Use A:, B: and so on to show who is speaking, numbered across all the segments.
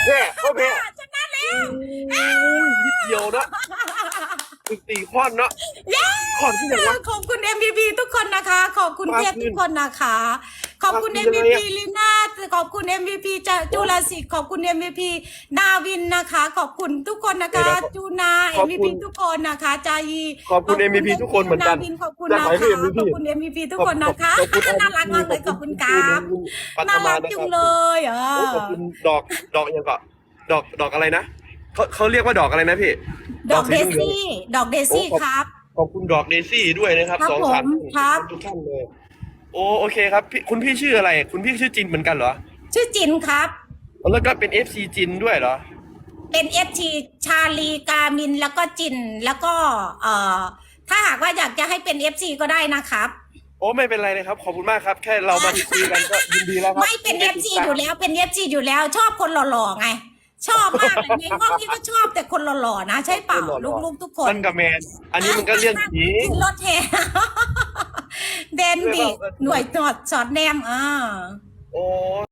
A: แพ้เขาแพ้
B: ชนะแล้ว
A: นิดเดียวนะตีข้อนเนาะข้อนที่ไหนวะ
B: ขอบคุณ MVP ทุกคนนะคะ ขอบคุณเทพทุกคนนะคะ ขอบคุณ
A: ปาคืน
B: MVP
A: อะไรอะ
B: ลีน่าขอบคุณ MVP จุลศิษย์ขอบคุณ MVP นาวินนะคะ ขอบคุณทุกคนนะคะจูนา
A: ขอบคุณ
B: MVP ทุกคนนะคะจายี
A: ขอบคุณ MVP ทุกคนเหมือนกัน
B: นาวินขอบคุณ
A: จาก
B: นะ
A: ไหน
B: คะ
A: คือ MVP
B: ขอบคุณ MVP ทุกคนนะคะ
A: ขอบคุณ
B: น่ารักมากเลยขอบคุณครับ
A: ปัท
B: น่า
A: มา
B: รัก
A: นะ
B: จุ
A: ค
B: ง
A: รับ
B: เลย
A: ขอบคุณดอกยังก็ดอกอะไรนะเขาเรียกว่าดอกอะไรนะพี่
B: ดอก
A: สี
B: เด
A: หลืงๆ
B: ซี่ดอกเดซี่
A: โอ้
B: ครับ
A: ขอบคุณดอกเดซี่ด้วยนะครับ
B: ครับ
A: สองสาม
B: ผมครับ
A: ทุกท่านเลยโอเคครับคุณพี่ชื่ออะไรคุณพี่ชื่อจินเหมือนกันเหรอ
B: ชื่อจินครับ
A: แล้วก็เป็น FC จินด้วยเหรอ
B: เป็น FT ชาลีกามินแล้วก็จินแล้วก็ถ้าหากว่าอยากจะให้เป็น FC ก็ได้นะครับ
A: โอ้ไม่เป็นไรเลยครับขอบคุณมากครับ แค่เรามาคุยกันก็ยินดีแล้วครับ
B: ไม่เป็น FC อยู่แล้วเป็น FC อยู่แล้ว ชอบคนหล่อๆไง ชอบมากเลยในห้องนี้ก็ชอบแต่คนหล่อๆนะใช่เปล่าลูกๆทุกคน
A: มันกับแมนอันนี้มันก็เรื่องผี
B: ขึ้นรถแห่ เดนดิหน่วยตรวจสอดแนม
A: โอ้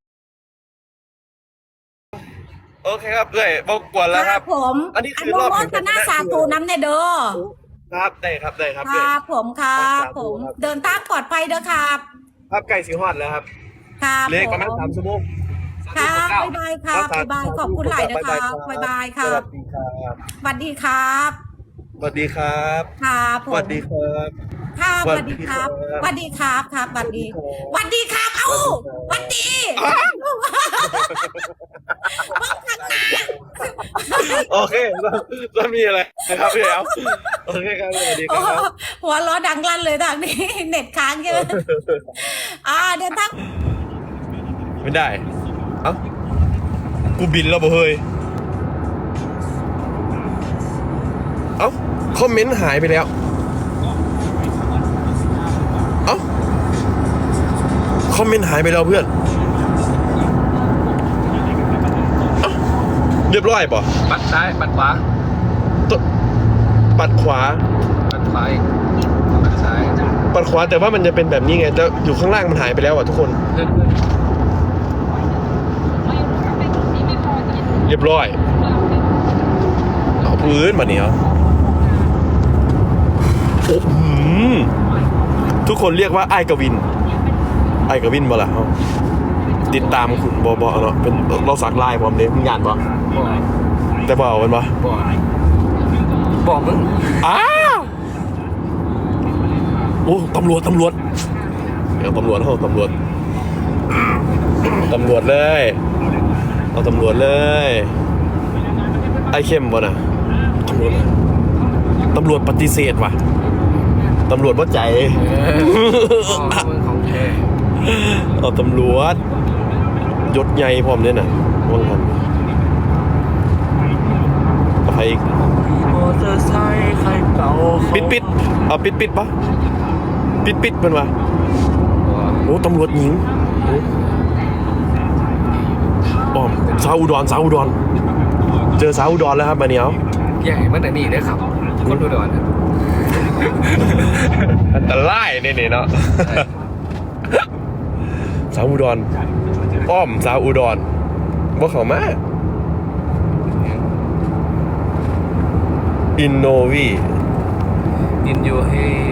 A: โอเคครับเอ้ยบอกกวนแล้วครับ
B: ผม
A: อันนี้คือ
B: นุ
A: รอบ
B: โม
A: แห่ง
B: ทนาสาธุน้ำในเด้อ
A: ครับได้ครับได้ครับ
B: ค
A: เอ้ย
B: รับผมครับ
A: สาธุ
B: ผม
A: ครับ
B: เดินทางปลอดภัยเด้อครับ
A: ครับไก่สีฮอดแล้วครับ
B: ครับ
A: เหลขประมาณ
B: ผม
A: 3 ชั่วโมง
B: ครับบ๊ายบายครับบ๊ายบายขอบคุณหลายนะครับบ๊ายบายครับ
A: สวัสดีครับ
B: สวัสดีครับ
A: สวัสดีครับ
B: ครับผม
A: สวัสดีครับ
B: ครับ
A: ส
B: ส
A: วั
B: วั
A: ส
B: ส
A: ดี
B: ดี
A: ค
B: ค
A: รั
B: รับ บสวัสดีครับครับสวัสดีสวัสดีครับเอ้าสวัสดี
A: โอเคแล้วมีอะไรนะครับพี่เอาโอเคครับสวัสดีครับ
B: หัวล้อดังลั่นเลยทางนี้ เน็ตค้างใช่ไหมเดินทาง
A: ไม่ได้ เอ้า กูบินแล้วบ่เฮ้ย เอ้า คอมเมนต์หายไปแล้ว เอ้า คอมเมนต์หายไปแล้วเพื่อน เอ้า เรียบร้อยป่ะ
C: ปัดซ้ายปัดขวา
A: ปัดขวา
C: ปัดขวาอีกปัดซ้าย
A: ปัดขวาแต่ว่ามันจะเป็นแบบนี้ไงแต่อยู่ข้างล่างมันหายไปแล้วอ่ะทุกคน
C: เลื่อน
A: เรียบร้อย เอาพื้นมาเนี่ยโอ้โหทุกคนเรียกว่าไอ้กวิน ไอ้กวินบ่ล่ะเอาติดตามคุณบอเนาะเป็นเราสักลายผมเนี่ยมึงยานบ่
C: บ่
A: แต่บ่เอาเป็นบ่
C: บ่มึง
A: อ้าวโอ้ตำรวจเดี๋ยวตำรวจเลยเอาตำรวจเลยไอ้เข้มบ่น่ะตำรวจปฏิเสธว่ะตำรวจว่าใจ
C: บ่มึงของแท้
A: เอาตำรวจยศใหญ่พร้อมเนี่ยน่ะว่างกันเอาไปอีก
C: มอเตอร์ไซค์ใครเก่า
A: ปิดเอาปิดปะปิดมันวะโอ้ตำรวจหญิงโอ้ป้อมสาวอุดรเจอสาวอุดรแล้วครับมาเนี้ย
C: ใหญ่มันแต่นี่เลยครับ คนดูดอน
A: อันตรายเนี่ยเนาะสาวอุดรป้อมสาวอุดรว่าเขามาอินโนวี
C: อินยูเฮ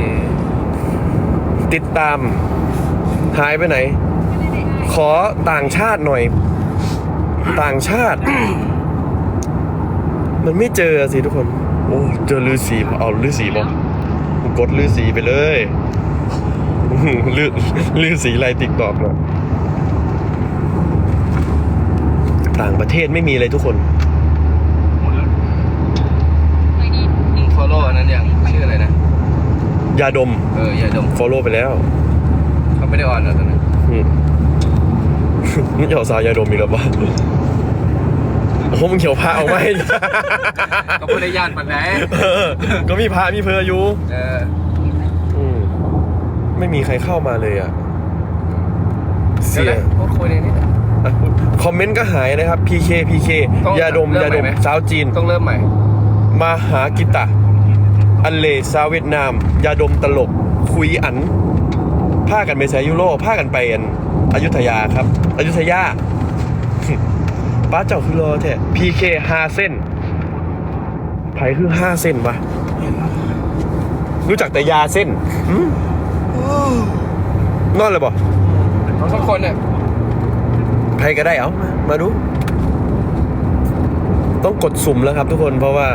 A: ติดตามหายไปไหน ขอต่างชาติหน่อย ต่างชาติ มันไม่เจอสิทุกคน โอ้เจอฤาษีเอาฤาษีป่ะกดฤาษีไปเลยฤาษีไล่ติ๊กตอกเนาะต่างประเทศไม่มีเลยทุกคน
C: มึงฟอลโล่อันนั้นยังชื่ออะไรนะ
A: ยาดม
C: อย่าดม
A: follow ไปแล้ว
C: เขาไม่ได้ออนแล้วตอนนั้น
A: นี่จะเอาสาวยาดมอีกแล้วปะโอ้โหมึงเขียวพระเอาไหม
C: ก็ไม่ได้ย่านปันไหน
A: ก็มีพระมีเพออยู่
C: ม
A: ไม่มีใครเข้ามาเลยอ่ะ เสีย
C: พูดคุยในนี้
A: คอมเมนต์ก็หายนะครับ PK
C: ต้อง
A: ยาดม
C: เริ่มใหม่ไหม
A: สาวจีน
C: ต้องเริ่มใหม่
A: มาหากิตะ อันเลสาวเวียดนาม ยาดมตลก คุยอันผ้ากันไปไซยุโรผ้ากันไปอยุธยาครับ อยุธยาป้าเจ้าคือรอแท้ PK 5 เส้นไผคือ5 เส้นวะรู้จักแต่ยาเส้นนอนเลยบ่
C: ทุกคนเนี่ย
A: ใครก็ได้เอามาดู ต้องกดสุ่มแล้วครับทุกคนเพราะว่า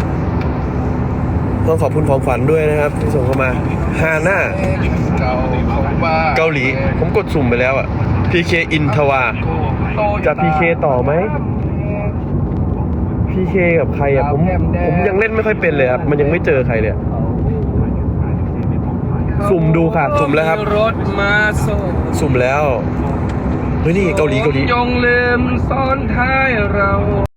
A: ต้องขอบคุณของขวัญด้วยนะครับ ที่ส่งเข้ามาฮาน่า
C: เก่าของบ้า
A: เกาหลี ผมกดสุ่มไปแล้วอ่ะ PK อินทวา จะ PK ต่อไหม PK กับใครอ่ะผมยังเล่นไม่ค่อยเป็นเลยครับ มันยังไม่เจอใครเลยอะสุ่มดูค่ะ สุ่มแล้วครับ
C: รถมาส่ง
A: สุ่มแล้วเฮ้ยนี่เกาหลี
C: ยงลืมซ้อนท้ายเรา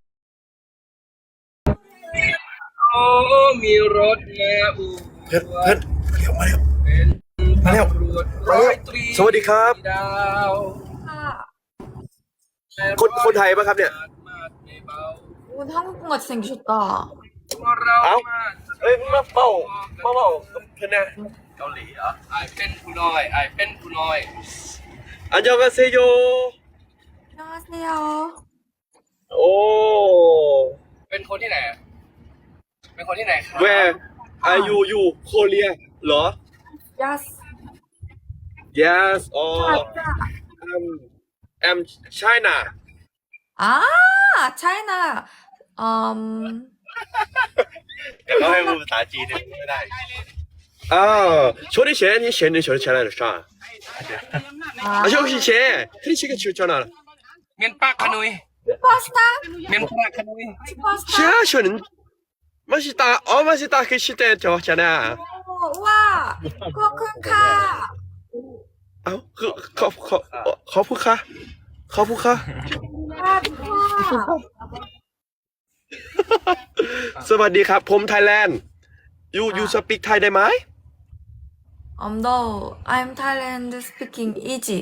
C: โอ้มีรถมาอู่
A: เพื่อนมาเร็วมาเร็ว
C: ตำรวจร้อยตรี
A: สวัสดีครับ
C: ดาว
A: คนไทยปะครับเนี่ย
D: 오늘 한국같이 생기셨다.
C: เรา
A: เอ้า
C: มา
A: เอ้ยมาเป่าเพื่อนนะ
C: เกาหลีเหรอไอเป็นผู้น้อยไอเป็นผู้น้อย
A: อันยองกาเซโย
D: 안녕하세요.
A: โอ้
C: เป็นคนที่ไหนอะเป็นคนที่ไหนครับ
A: Where are you Korea เหรอ
D: Yes.
A: Yes or I'm China
D: 아, 차이나.
A: แต่ก็ให้พูดภาษาจีนเนี่ยไม่ได้초리 셴이 셴이 저리 잘하는 샤
D: 아,
A: 혹시 셴 트리치가 출전하
C: เมียนปากขนุย
D: 슈퍼스타?
C: เมียนปากขนุย
D: 슈퍼스타?
A: 샤쇼는 맛있다 맛있다 그 시대 저잖아
D: 오, 우와. 코쿤카.
A: 커프카
D: 아, 우와.
A: สวัสดีครับผมไทยแลนด์ you speak Thai ได้ไหม
D: No, I'm Thailand speaking easy.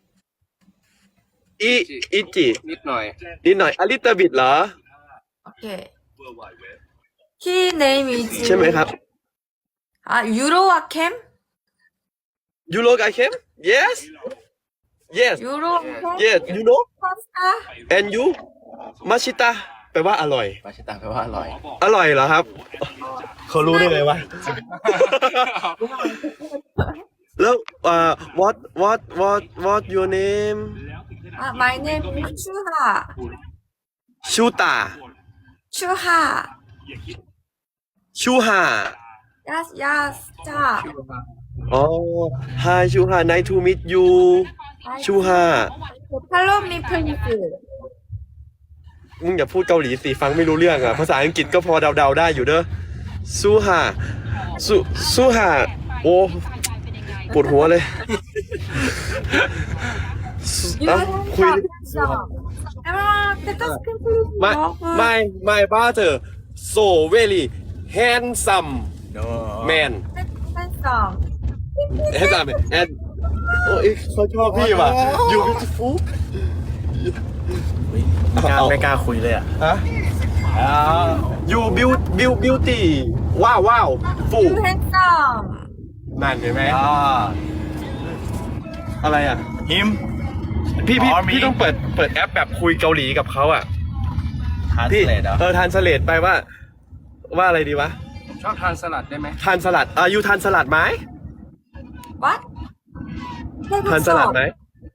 A: อีจิ
C: นิดหน่อย
A: นิดหน่อยอลิตบิดเหรอ
D: Okay. He name is.
A: ใช่ไหมครับ
D: 아, 유로아캠?
A: You look I came yes
D: 유로아캠?
A: yes you know
D: 슈퍼스타?
A: and you มาชิตะแปลว่าอร่อย
C: ปาชิตาแปลว่าอร่อย
A: อร่อยเหรอครับ เขารู้ได้ไงวะ แล้วwhat your name
D: 아, my name is 추하.
A: ชูตา
D: 추하.
A: ชูฮา
D: Yes, yes. 자.
A: อ๋อ Hi ชูฮา nice to meet you ชูฮา
D: Follow me, please.
A: มึงอย่าพูดเกาหลีสิฟังไม่รู้เรื่องอ่ะ ภาษาอังกฤษก็พอเดาๆได้อยู่เด้อซูฮาซูฮาโอ้ปวดหัวเลยเอ้าคุย
D: Let us continue.
A: my brother so very handsome man
D: Handsome.
A: handsome and โอ้ยเขาชอบพี่ว่ะ you beautiful
E: ไม่กล้าคุยเลยอ่ะ
A: ฮะ you beauty ว้าวฟู
D: You handsome.
A: นั่นเห็นไหมอะไรอ่ะ
E: ฮิม
A: พี่ต้องเปิดแอปแบบคุยเกาหลีกับเขาอ่ะ
E: ทาน
A: พี่
E: สเลดเหรอ
A: ทานสเลดไปว่าอะไรดีวะ
C: ชอบทานสลัดได้ไหม
A: ทานสลัดยูทานสลัดไหม
D: What?
A: ทานสลัดไหม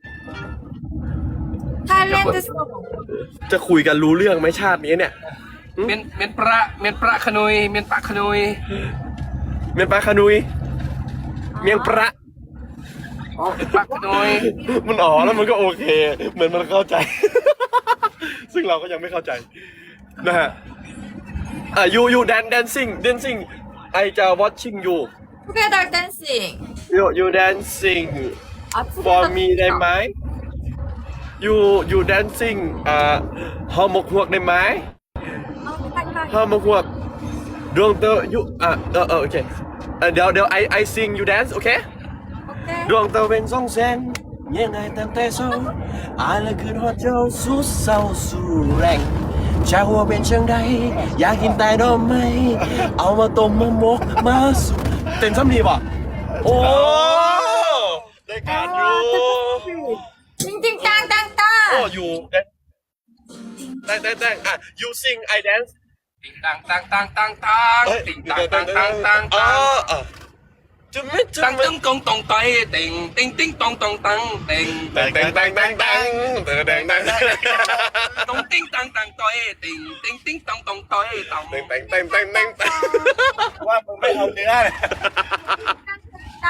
D: Thailand song.
A: จะคุยกันรู้เรื่องไหมชาตินี้เนี่ย
C: เมียนปลาขนุยเมียนปากขนุย
A: เมียนปลาคานุยเมียงประ
C: อ๋อปากขนุย
A: มันอ๋อแล้วมันก็โอเค เหมือนมันเข้าใจ ซึ่งเราก็ยังไม่เข้าใจนะฮะyou dancing I จะ watching you
D: Together dancing.
A: you dancing
D: 아,
A: for
D: together
A: me ได้ไหม you dancing ฮอมกหวกได้ไหม ฮอมกหวกดวงเตอร์โอเคเดี๋ยว I sing you dance โอเค
D: Okay.
A: ดวงตะเวนส่องแสงยังไงตั้งแต่สูงอายละคืนหัวเจ้าสู้เศร้าสู้แรงชาหัวเป็นเชิงใดอยากกินแต่ดอกไม้เอามาต้มมาหมกมาสุเต้นซ้ำดีป่ะโอ้ได้การอยู่
D: 띵띵땅땅땅.
A: โอ้อยู่แต่งอ่ะ you sing I dance
C: ติงตังตังตังตังตังติงตังตังตังตังตัง
A: จุ๊บไม่จุ๊
C: ตั
A: บ
C: ง
A: ไม่
C: ตึงกงตงไตติงติงติงตงตงตังติง
A: แต่ง
C: ตงติงตังตังตอยติงติงติงตงตงตอยตง
E: ว่ามึงไม่เอาเนื้อเลย
D: 땅.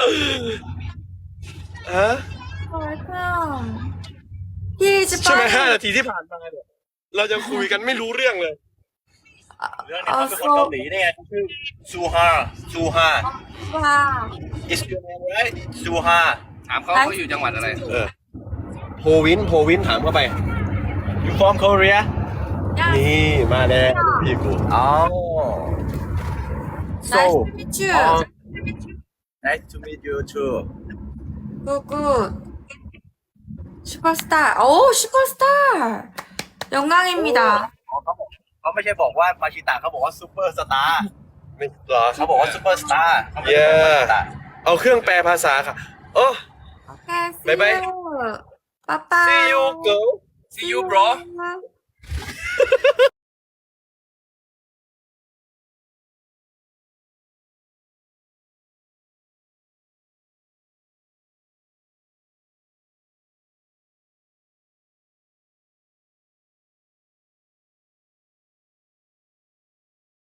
A: ฮะ
D: welcome. He's
A: ใช่ไหม
D: fine.
A: 5 นาทีที่ผ่านมาเนี่ยเราจะคุยกันไม่รู้เรื่องเลย
E: เรื่องนี้เขาเป็นคนเกาหลีได้ไงเขาชื่อซูฮา
D: Wow.
E: is your name right ซูฮา
C: ถามเขาอยู่จังหวัดอะไร
A: โพวินถามเข้าไป
E: you from Korea
A: นี่มาแล้วพี่กู
E: อ๋อ
D: Nice to meet you.
E: nice to meet you too
D: Good, good. 슈퍼스타. 오, 슈퍼스타. 영광입니다.
E: เขาไม่ใช่บอกว่ามาชิตะเขาบอกว่าซูเปอร์สตาร์
A: ไม่เหรอ
E: เขาบอกว่าซูเปอร์สตาร์เขาไม่ได้บอกว่ามาชิตะ
A: เอาเครื่องแปลภาษาค่ะโอ้
D: Okay, see
A: Bye bye.
D: you. Bye bye.
A: see you girl
C: See you bro